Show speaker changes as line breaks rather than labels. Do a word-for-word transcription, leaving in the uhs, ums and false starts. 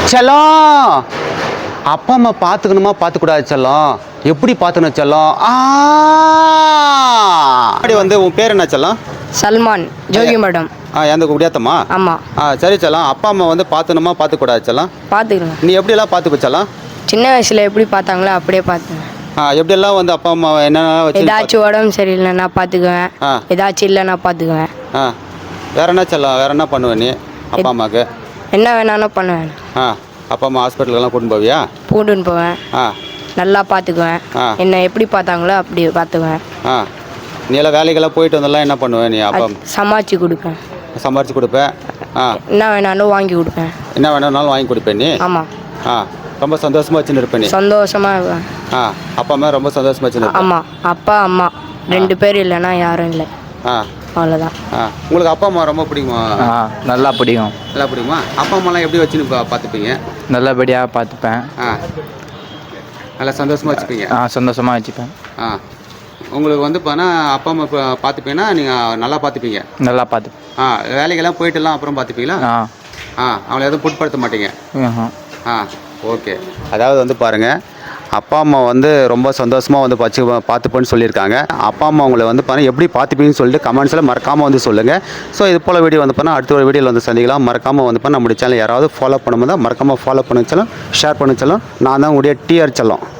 செல்லம் அப்பா அம்மா பார்த்துக்கணுமா பார்த்துக்கூடாது செல்லம், எப்படி பார்த்துக்கணும் செல்லம்? ஆ அப்படி வந்து உன் பேர் என்ன செல்லம்?
சல்மான் ஜோகி மேடம்.
ஆ எந்த குடியாத்தம்மா?
ஆமாம்.
ஆ சரி செல்லம், அப்பா அம்மா வந்து பார்த்துக்கணுமா பார்த்துக்கூடாது செல்லம்?
பார்த்துக்கிறேன்.
நீ எப்படியெல்லாம் பார்த்துக்க செல்லம்?
சின்ன வயசில் எப்படி பார்த்தாங்களோ அப்படியே பார்த்துக்குவேன்.
ஆ எப்படியெல்லாம் வந்து அப்பா அம்மா என்னென்ன வச்சு
ஏதாச்சும் உடம்பு சரியில்லைன்னா பார்த்துக்குவேன்.
ஆ.
ஏதாச்சும் இல்லைன்னா பார்த்துக்குவேன்.
ஆ வேற என்ன செல்லம், வேற என்ன பண்ணுவேன் நீ அப்பா அம்மாவுக்கு?
என்ன வேணாலும் பண்ணுவேன்.
ஆ அப்பா அம்மா ஹாஸ்பிட்டலுக்கெல்லாம் கூட்டின்னு போவியா?
பூண்டுன்னு போவேன்.
ஆ
நல்லா பார்த்துக்குவேன்.
ஆ.
என்னை எப்படி பார்த்தாங்களோ அப்படி பார்த்துக்குவேன்.
ஆ நீ எல்லாம் வேலைக்கெல்லாம் போயிட்டு வந்தெல்லாம் என்ன பண்ணுவேன் நீ? அப்பா
சமாளித்து கொடுப்பேன்.
சம்பாரிச்சு கொடுப்பேன். ஆ
என்ன வேணாலும் வாங்கி கொடுப்பேன்.
என்ன வேணும்னாலும் வாங்கி கொடுப்பேன் நீ?
ஆமாம்.
ஆ ரொம்ப சந்தோஷமாக வச்சுன்னு இருப்பேன் நீ?
சந்தோஷமாக இருப்பேன்.
ஆ அப்பா அம்மா ரொம்ப சந்தோஷமாக வச்சுன்னு இருப்பேன்.
ஆமாம். அப்பா அம்மா ரெண்டு பேர் இல்லைன்னா யாரும் இல்லை.
ஆ
அவ்வளோதான்.
ஆ உங்களுக்கு அப்பா அம்மா ரொம்ப பிடிக்குமா?
ஆ நல்லா பிடிக்கும்.
நல்லா பிடிக்குமா? அப்பா அம்மாலாம் எப்படி வச்சுன்னு பா பார்த்துப்பீங்க?
நல்லபடியாக பார்த்துப்பேன்.
ஆ நல்லா சந்தோஷமாக வச்சுப்பீங்க?
ஆ சந்தோஷமாக வச்சுப்பேன்.
ஆ உங்களுக்கு வந்து பார்த்தா அப்பா அம்மா இப்போ பார்த்துப்பீங்கன்னா நீங்கள் நல்லா பார்த்துப்பீங்க?
நல்லா பார்த்து.
ஆ வேலைக்கெல்லாம் போயிட்டுலாம் அப்புறம் பார்த்துப்பீங்களா?
ஆ
ஆ அவங்கள எதுவும் புட்படுத்த மாட்டீங்க?
ம்ஹும்.
ஆ ஓகே. அதாவது வந்து பாருங்கள், அப்பா அம்மா வந்து ரொம்ப சந்தோஷமாக வந்து பச்சு பார்த்துப்பேன்னு சொல்லியிருக்காங்க. அப்பா அம்மா உங்களை வந்து பாருங்கள் எப்படி பார்த்துப்பீங்கன்னு சொல்லிட்டு கமெண்ட்ஸில் மறக்காமல் வந்து சொல்லுங்கள். ஸோ இது போல் வீடியோ வந்து பண்ணால் அடுத்த ஒரு வீடியோவில் வந்து சந்திக்கலாம். மறக்காமல் வந்து பண்ண நம்முடைய சேனல் யாராவது ஃபாலோ பண்ணும்போது தான் மறக்காமல் ஃபாலோ பண்ண சொல்லும், ஷேர் பண்ண சொல்லும். நான் தான் உங்களுடைய டிஆர் செல்லம்.